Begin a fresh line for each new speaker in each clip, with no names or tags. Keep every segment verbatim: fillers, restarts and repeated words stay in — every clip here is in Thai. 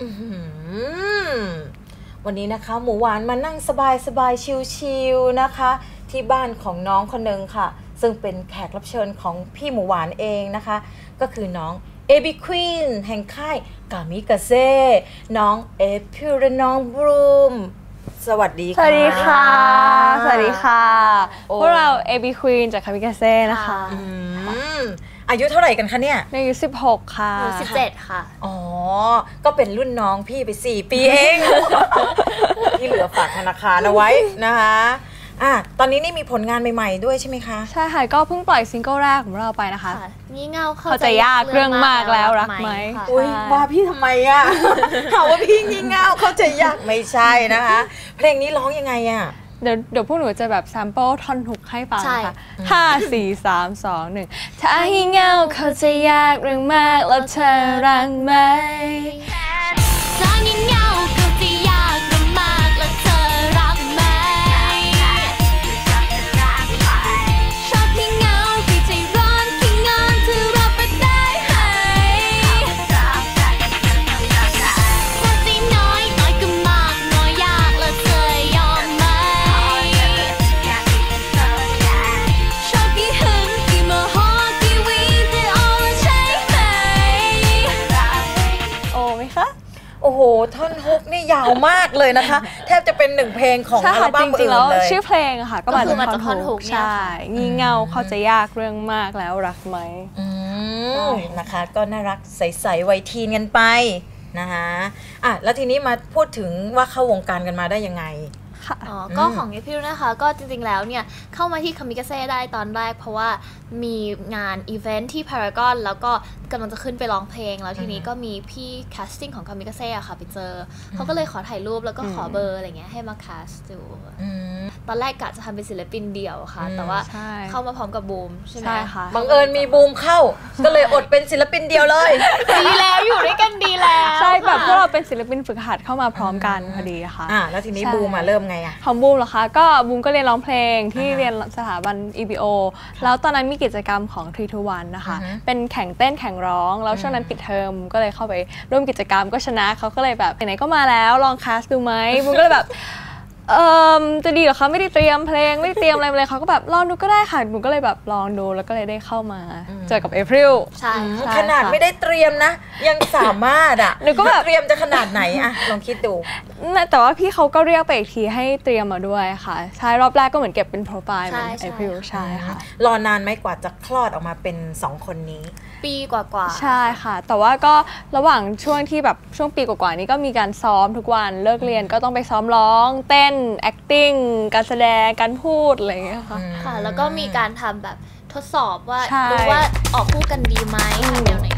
วันนี้นะคะหมูหวานมานั่งสบายสบายชิลๆนะคะที่บ้านของน้องคนหนึ่งค่ะซึ่งเป็นแขกรับเชิญของพี่หมูหวานเองนะคะก็คือน้องเอบิควีนแห่งค่ายกามิกาเซ่น้องเอพิวและน้องบรูมสวัสดีค่ะ
สวัสดีค่ะสวัสดีค่ะพวกเราเอบิควีนจากกามิกาเซ่นะคะ
อายุเท่าไหร่กันคะเนี่ย
อายุสิบหกค่ะ
สิบเจ็ดค่ะ
อ๋อก็เป็นรุ่นน้องพี่ไปสี่ปีเอง ที่เหลือฝากธนาคารเอาไว้นะคะอ่ะตอนนี้นี่มีผลงานใหม่ๆด้วยใช่ไหมคะ
ใช่ค่ะก็เพิ่งปล่อยซิงเกิลแรกของเราไปนะคะ
งี่เง่า
เข้าใจยากเรื่องมากแล้วรักไหม
อุ้ยว่าพี่ทำไมอ่ะถามว่าพี่งี่เง่าเข้าใจยากไม่ใช่นะคะเพลงนี้ร้องยังไงอ่ะ
เดี๋ยวเดี๋ยวพวกหนูจะแบบแซมเปิลท่อนฮุกให้ฟังค่ะห้าสี่สามสองหนึ่งถ้างี่เง่าเข้าใจยากเรื่องมากแล้วเธอรักไหมถ้างี่เง่าเข้าใจยากเรื่องมากแล้วเธอรักไหมชอบงี่เง่าที่ใจร้อนขี้งอนเธอรับไปได้ไหมความใจน้อยน้อยก็มากน้อยยากแล้วเธอยอมไหมชอบกี่หึงกี่โมโหกี่วีเธอเอาใช่ไหมโอ้ไหมคะ
โอ้โหท่อนฮุกนี่ยาวมากเลยนะคะแทบจะเป็นหนึ่งเพลงของอัลบั้มอื่นเลย
ชื่อเพลงค่ะก็มาจากท่อนฮุกใช่งี่เง่าเข้าใจยากเรื่องมากแล้วรักไหม
นะคะก็น่ารักใสๆวัยทีนกันไปนะคะอ่ะแล้วทีนี้มาพูดถึงว่าเข้าวงการกันมาได้ยังไง
อ๋อก็ของเอพิวนะคะก็จริงๆแล้วเนี่ยเข้ามาที่คามิกาเซ่ได้ตอนแรกเพราะว่ามีงานอีเวนท์ที่พารากอนแล้วก็กำลังจะขึ้นไปร้องเพลงแล้วทีนี้ก็มีพี่แคสติ้งของคามิกาเซ่ค่ะไปเจอเขาก็เลยขอถ่ายรูปแล้วก็ขอเบอร์อะไรเงี้ยให้มาแคสดูตอนแรกกะจะทำเป็นศิลปินเดี่ยวค่ะแต่ว่าเข้ามาพร้อมกับบูมใช่ไหม
คะ
บังเอิญมีบูมเข้าก็เลยอดเป็นศิลปินเดียวเลย
ดีแล้วอยู่ด้วยกันดีแล้ว
ใช่แบบพวกเราเป็นศิลปินฝึกหัดเข้ามาพร้อมกันพอดีค่ะ
อ่าแล้วทีนี้บูมมาเริ่มไงอ่ะ
ของบูมเหรอคะก็บูมก็เรียนร้องเพลงที่เรียนสถาบัน อี บี โอ แล้วตอนนั้นมีกิจกรรมของทรี ทู วัน นะคะเป็นแข่งเต้นแข่งร้องแล้วช่วงนั้นปิดเทอมก็เลยเข้าไปร่วมกิจกรรมก็ชนะเขาก็เลยแบบไหนๆก็มาแล้วลองแคสดูไหมบูมก็เลยแบบเอ่อจะดีเหรอคะไม่ได้เตรียมเพลงไม่ได้เตรียมอะไรเลยเขาก็แบบลองดูก็ได้ค่ะหนูก็เลยแบบลองดูแล้วก็เลยได้เข้ามาเจอกับเอพริล
ใช่
ขนาดไม่ได้เตรียมนะยังสามารถอ่ะ
หนูก็แบบ
เตรียมจะขนาดไหนอะลองคิดดู
แต่ว่าพี่เขาก็เรียกไปอีกทีให้เตรียมมาด้วยค่ะใช่รอบแรกก็เหมือนเก็บเป็นโปรไฟล์เหมือนเอพริลใช่ค่ะ
รอนานไหมกว่าจะคลอดออกมาเป็นสองคนนี้
ปีกว่า
ๆใช่ค่ะแต่ว่าก็ระหว่างช่วงที่แบบช่วงปีกว่าๆนี้ก็มีการซ้อมทุกวันเลิกเรียนก็ต้องไปซ้อมร้องเต้น acting การแสดงการพูดอะไรอย่างเงี้ยค่ะ
ค่ะแล้วก็มีการทำแบบทดสอบว่าดูว่าออกคู่กันดีไหมทำแนวไหน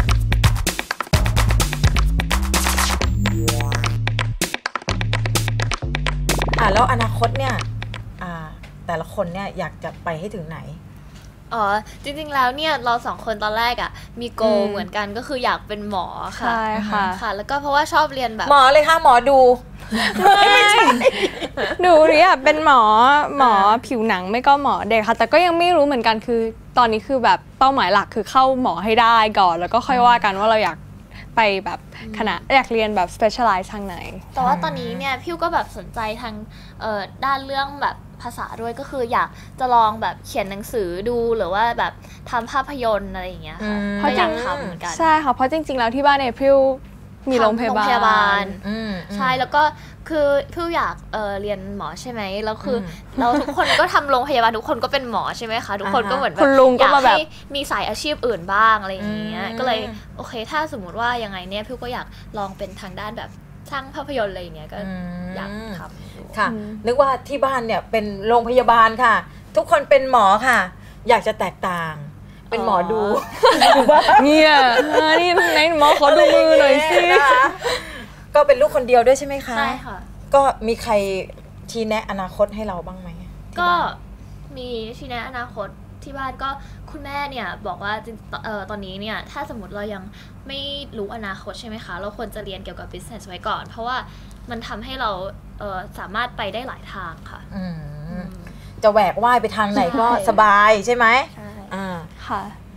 อ่ะแล้วอนาคตเนี่ยอ่าแต่ละคนเนี่ยอยากจะไปให้ถึงไหน
อ๋อจริงๆแล้วเนี่ยเราสองคนตอนแรกอ่ะมีโกเหมือนกันก็คืออยากเป็นหมอค่ะ
ใช่ค่ะ
ค่ะแล้วก็เพราะว่าชอบเรียนแบบ
หมอเลยค่ะหมอดู
ไม่ใช่หนูเนี่ยเป็นหมอหมอผิวหนังไม่ก็หมอเด็กค่ะแต่ก็ยังไม่รู้เหมือนกันคือตอนนี้คือแบบเป้าหมายหลักคือเข้าหมอให้ได้ก่อนแล้วก็ค่อยว่ากันว่าเราอยากไปแบบคณะอยากเรียนแบบ specialize ทางไหน
แต่ว่าตอนนี้เนี่ยพี่ก็แบบสนใจทางด้านเรื่องแบบภาษาด้วยก็คืออยากจะลองแบบเขียนหนังสือดูหรือว่าแบบทำภาพยนตร์อะไรอย่างเงี้ยค่ะเพราะอยากทำเหมือนกัน
ใช่ค่ะเพราะจริงๆแล้วที่บ้านเนี่ยพี่มีโรงพยาบาล
ใช่แล้วก็คือพี่อยากเเรียนหมอใช่ไหมแล้วคือเราทุกคนก็ทำโรงพยาบาลทุกคนก็เป็นหมอใช่ไหมคะทุกคนก็เหมือนแบบอยากให้มีสายอาชีพอื่นบ้างอะไรอย่างเงี้ยก็เลยโอเคถ้าสมมติว่ายังไงเนี่ยพี่ก็อยากลองเป็นทางด้านแบบสร้างภาพยนตร์อะไรอย่างเงี้ยก็อยากทำ
ค่ะนึกว่าที่บ้านเนี่ยเป็นโรงพยาบาลค่ะทุกคนเป็นหมอค่ะอยากจะแตกต่างเป็นหมอดู
เนี่ยนี่ไหนหมอขอดูมือหน่อยสิ
ก็เป็นลูกคนเดียวด้วยใช่ไหมคะ
ใช่ค่ะ
ก็มีใครชี้แนะอนาคตให้เราบ้างไหม
ก็มีชี้แนะอนาคตที่บ้านก็คุณแม่เนี่ยบอกว่าเอ่อตอนนี้เนี่ยถ้าสมมติเรายังไม่รู้อนาคตใช่ไหมคะเราควรจะเรียนเกี่ยวกับ business ไว้ก่อนเพราะว่ามันทำให้เราเอ่อสามารถไปได้หลายทางค่ะ
จะแหวกว่ายไปทางไหนก็สบายใช่ไหม
ใช่ค่ะ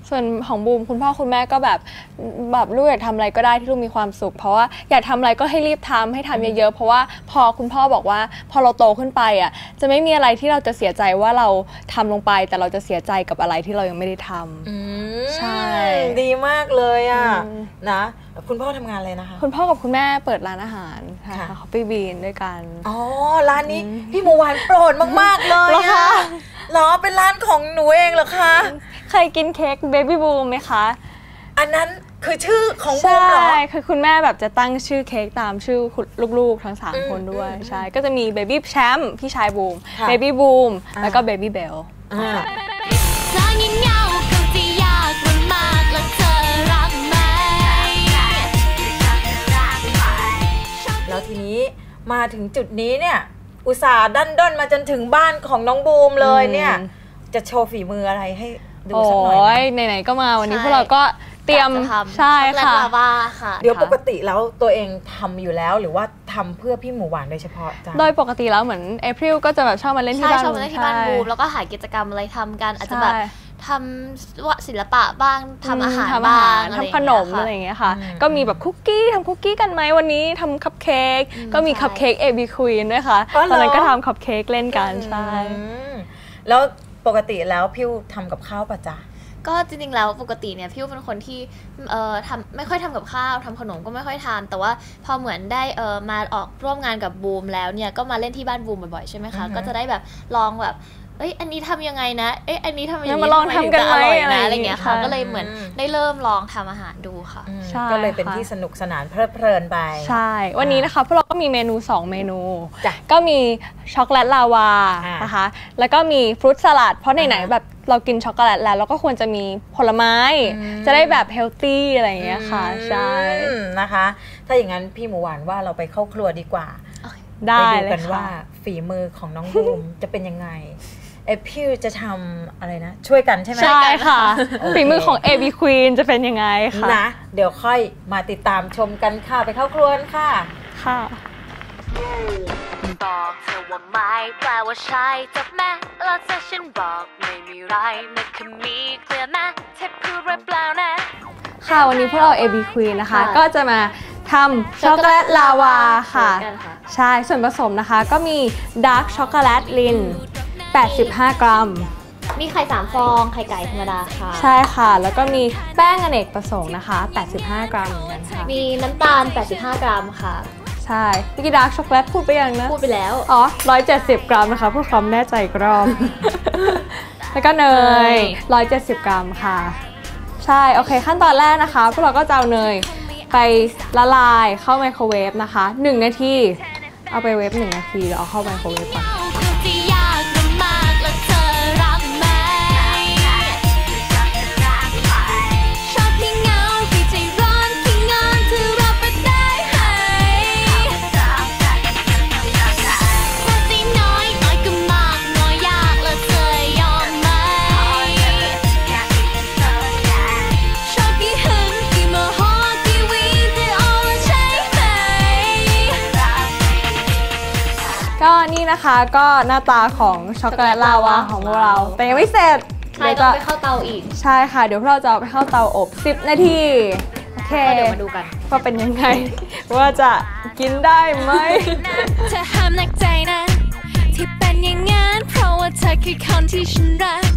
ส่วนของบูมคุณพ่อคุณแม่ก็แบบแบบลูกอยากทำอะไรก็ได้ที่ลูกมีความสุขเพราะว่าอยากทำอะไรก็ให้รีบทำให้ทำเยอะๆเพราะว่าพอคุณพ่อบอกว่าพอเราโตขึ้นไปอ่ะจะไม่มีอะไรที่เราจะเสียใจว่าเราทำลงไปแต่เราจะเสียใจกับอะไรที่เรายังไม่ได้ทำใช่
ดีมากเลยอ่ะนะคุณพ่อทำงานอะไรนะคะ
คุณพ่อกับคุณแม่เปิดร้านอาหารค่ะเขาไปบีนด้วยกัน
อ๋อร้านนี้พี่หมูหวานโปรดมากๆเลยค่ะเหรอเป็นร้านของหนูเองเหรอคะ
เคยกินเค้กเบบี้บูมไหมคะ
อันนั้นคือชื่อของบูมเหรอ
ใช่คือคุณแม่แบบจะตั้งชื่อเค้กตามชื่อลูกๆทั้งสามคนด้วยใช่ก็จะมีเบบี้แชมป์พี่ชายบูมเบบี้บูมแล้วก็เบบี้เบล
แล้วทีนี้มาถึงจุดนี้เนี่ยอุตส่าห์ดันด้นมาจนถึงบ้านของน้องบูมเลยเนี่ยจะโชว์ฝีมืออะไรให้ดูสักหน่อย
โอ้ยไหนๆก็มาวันนี้พวกเราก็เตรียมใช่ค่ะ
เดี๋ยวปกติแล้วตัวเองทำอยู่แล้วหรือว่าทำเพื่อพี่หมูหวานโดยเฉพาะจ้ะ
โดยปกติแล้วเหมือนเอพริลก็จะแบบชอบมาเล่นที่บ้าน
ชอบมาเล่นที่บ้านบูมแล้วก็หากิจกรรมอะไรทำกันอาจจะแบบทำว่าศิลปะบ้างทำอาหารบ้าง
ทำขนมอะไรอย่างเงี้ยค่ะก็มีแบบคุกกี้ทำคุกกี้กันไหมวันนี้ทำคัพเค้กก็มีคัพเค้กเอบีควีนด้วยค่ะตอนนั้นก็ทำคัพเค้กเล่นกันใช่
แล้วปกติแล้วพี่ทำกับข้าวป่ะจ๊ะ
ก็จริงๆแล้วปกติเนี่ยพี่เป็นคนที่เอ่อทำไม่ค่อยทำกับข้าวทำขนมก็ไม่ค่อยทานแต่ว่าพอเหมือนได้เอ่อมาออกร่วมงานกับบูมแล้วเนี่ยก็มาเล่นที่บ้านบูมบ่อยๆใช่ไหมคะก็จะได้แบบลองแบบเอ้ยอันนี้ทำยังไงนะเอ้ยอันนี้ทำยังไง
มาลองทำกันไหม
อะไรอย่างเงี้ยค่ะก็เลยเหมือนได้เริ่มลองทำอาหารดูค่ะ
ก็เลยเป็นที่สนุกสนานเพลิดเพลินไป
ใช่วันนี้นะคะพวกเราก็มีเมนูสองเมนูก็มีช็อกโกแลตลาวานะคะแล้วก็มีฟรุตสลัดเพราะไหนๆแบบเรากินช็อกโกแลตแล้วเราก็ควรจะมีผลไม้จะได้แบบเฮลตี้อะไรอย่างเงี้ยค่ะใช่
นะคะถ้าอย่างนั้นพี่หมูหวานว่าเราไปเข้าครัวดีกว่า
ได้
เลยค่ะไปดูกันว่าฝีมือของน้องบูมจะเป็นยังไงเอพิวจะทำอะไรนะช่วยกันใช่ไหม
ใช่ค่ะฝีมือของ เอ บี Queen จะเป็นยังไงคะ
นะเดี๋ยวค่อยมาติดตามชมกันค่ะไปเข้าครัวกันค่ะ
ค่ะ
บอกเธอว่าไม่แปลว่าใช่จับแม่แล้วถ้าฉันบอกไม่มีไรนั่นคือมีเคลียร์แม่เทปพูดเปล่านะ
ค่ะวันนี้พวกเรา เอ บี Queen นะคะก็จะมาทำช็อกโกแลตลาวาค่ะใช่ส่วนผสมนะคะก็มีดาร์กช็อกโกแลตลินแปดสิบห้ากรัม
มีไข่สามฟองไข่ไก่ธรรมดาค่ะ
ใช่ค่ะแล้วก็มีแป้งอเนกประสงค์นะคะแปดสิบห้ากรัมเหมือนกันค่ะ
มีน้ำตาลแปดสิบห้ากรัมค่ะ
ใช่เมื่อกี้ดาร์กช็อกโกแลตพูดไปยังนะ
พูดไปแล้ว
อ๋อหนึ่งร้อยเจ็ดสิบกรัมนะคะเพื่อความแน่ใจอีกรอบแล้วก็เนยหนึ่งร้อยเจ็ดสิบกรัมค่ะใช่โอเคขั้นตอนแรกนะคะพวกเราก็จะเอาเนยไปละลายเข้าไมโครเวฟนะคะหนึ่งนาทีเอาไปเวฟหนึ่งนาทีแล้วเอาเข้าไมโครเวฟก่อนก็นี่นะคะก็หน้าตาของช็อกโกแลตลาวาของเราแต่ยังไม่เสร็จ
เดี๋ยวจะไปเข้าเตาอีก
ใช่ค่ะเดี๋ยวเราจะเอาไปเข้าเตาอบสิบนาทีโอเค
เดี๋ยวมาดูกัน
ว่าเป็นยังไงว่าจะกินได้ไหมเธอห้ามนักใจนะที่เป็นอย่างงั้นเพราะว่าเธอคือคนที่ฉันรัก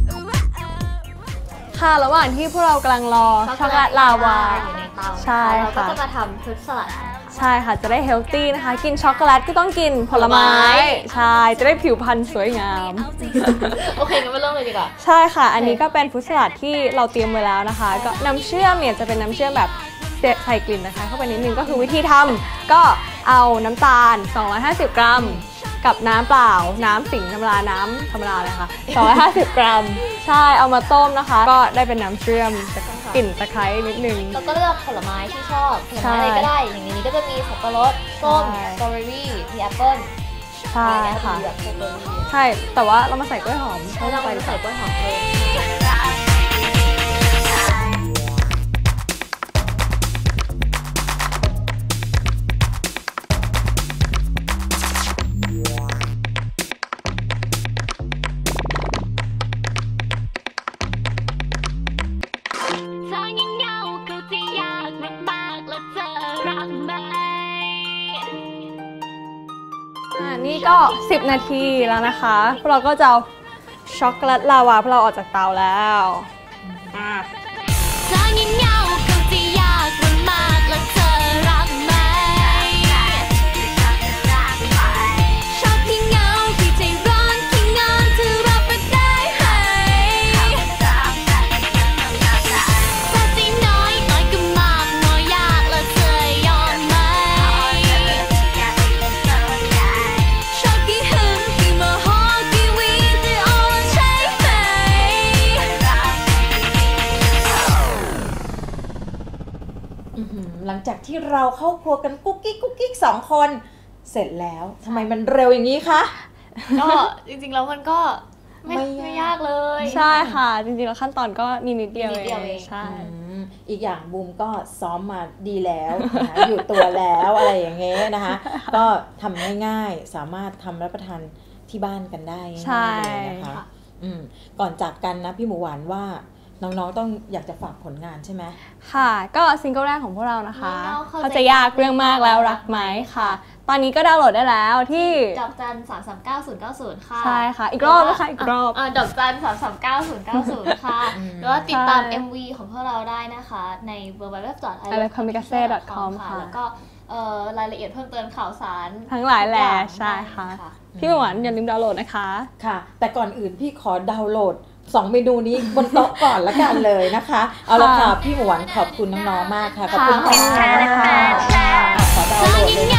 ค่ะระหว่างที่พวกเรากำลังรอช็อกโกแลตลาวา
อยู่ในเตา
ใช่
ค่ะเราก็จะมาทำฟรุตสลัด
ใช่ค่ะจะได้เฮลตี้นะคะกินช็อกโกแลตก็ต้องกินผลไม้ใช่จะได้ผิวพรรณสวยงาม
โอเคงั้นมาเริ่มเลยดีกว่า
ใช่ค่ะอันนี้ก็เป็นฟรุตสลัดที่เราเตรียมไว้แล้วนะคะก็น้ำเชื่อมเนี่ยจะเป็นน้ำเชื่อมแบบใส่กลิ่นนะคะเข้าไปนิดนึงก็คือวิธีทำก็เอาน้ำตาลสองร้อยห้าสิบกรัมกับน้ำเปล่าน้ำสิงธรรมดาน้ำธรรมดาเลยค่ะสองร้อยห้าสิบกรัมใช่เอามาต้มนะคะก็ได้เป็นน้ำเชื่อมกลิ่นตะไคร้นิดนึง
แล้วก็เลือกผลไม้ที่ชอบผลไม้อะไรก็ได้อย่างนี้ก็จะมีสับปะรดส้มสตรอเบอรี่มีแอปเปิ้ล
ใช่ค่ะใช่แต่ว่าเรามาใส่กล้วยหอม
ใช่เราไปใส่กล้วยหอมเลย
กไหม
อ่านี่ก็สิบนาทีแล้วนะคะพวกเราก็จะเอาช็อกโกแลตลาวาพวกเราออกจากเตาแล้วอ่า
เธอยิ่งเหงาคงจะยากลำบากและเธอรักไหมชอบที่เหงาที่ใจร้อนที่งอนเธอรับไม่ได้ให้แต่ใจน้อยน้อยก็มากน้อยยากและเธอยอมไหมชอบกี่หึงกี่โมโหกี่วีจะอ่อนใช่ไหม
อื้อหือหลังจากที่เราเข้าครัวกันกุ๊กกิ๊กกุ๊กกิ๊กสองคนเสร็จแล้วทำไมมันเร็วอย่างนี้คะ
ก็จริงๆแล้วมันก็ไม่
ไม่
ไม่
ยาก
ยากเลย
ใช่ค่ะจริงๆแล้วขั้นตอนก็นิดนิดเดียว
นิดเดียวเอง
ใช่
อืมอีกอย่างบูมก็ซ้อมมาดีแล้วนะคะ อยู่ตัวแล้วอะไรอย่างเงี้ยนะคะ ก็ทำง่ายๆสามารถทำรับประทานที่บ้านกันได้ง่ายๆ
ใช่
เลยนะคะอืมก่อนจากกันนะพี่หมูหวานว่าน้องๆต้องอยากจะฝากผลงานใช่ไหม
ค่ะก็ซิงเกิลแรกของพวกเรานะคะ
น้องๆเข้าใจ
เขาจะยากเรื่องมากแล้วรักไหมค่ะ ตอนนี้ก็ดาวน์โหลดได้แล้วที่
ดอกจันสามสามเก้าศูนย์เก้าศูนย์ค่ะ
ใช่ค่ะอีกรอบนะคะอีกรอบ
เดอกจันสามสามเก้าศูนย์เก้าศูนย์ค่ะ
อืม
หรือว่าติดตาม
ใช่
เอ็ม วี ของพวกเราได้นะคะ ใน ดับเบิลยู ดับเบิลยู ดับเบิลยู ดอท ไอ
ไอ เลิฟ คอมิกาเซ่ ดอท คอม ค่ะ
แล้วก็เอ่อรายละเอียดเพิ่มเติมข่าวสาร
ทั้งหลายแหล่
ทุกอย่าง
ใช่ค่ะ
ได้
พี่หวานอย่าลืมดาวน์โหลดนะคะ
ค่ะ แต่ก่อนอื่นพี่ขอดาวน์โหลดสองเมนูนี้บนโต๊ะก่อนละกันเลยนะคะ เอาละค่ะพี่หมูหวานขอบคุณน้องๆมากค่ะขอบคุณ
ค่ะ
ค่ะขอดาวน์โหลดเลย